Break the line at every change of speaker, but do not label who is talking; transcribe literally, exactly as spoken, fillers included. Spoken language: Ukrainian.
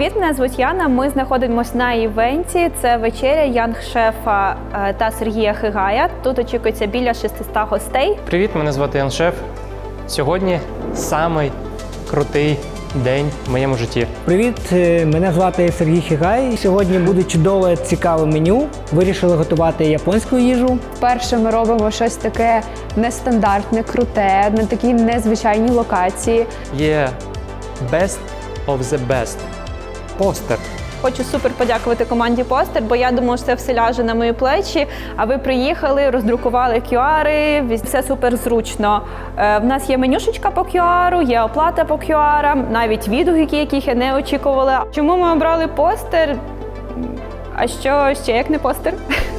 Привіт, мене звуть Яна. Ми знаходимося на івенті. Це вечеря янг-шефа та Сергія Хигая. Тут очікується біля шістсот гостей.
Привіт, мене звати Ян Шеф. Сьогодні самий крутий день в моєму житті.
Привіт, мене звати Сергій Хигай. Сьогодні буде чудове, цікаве меню. Вирішили готувати японську їжу.
Вперше ми робимо щось таке нестандартне, круте, на такій незвичайній локації.
Є best of the best. Постер.
Хочу супер подякувати команді Постер, бо я думала, що це все ляже на мої плечі. А ви приїхали, роздрукували кю ари, все супер зручно. Е, в нас є менюшечка по кю ару, є оплата по кю арам, навіть відгуки, яких я не очікувала. Чому ми обрали Постер? А що ще як не Постер?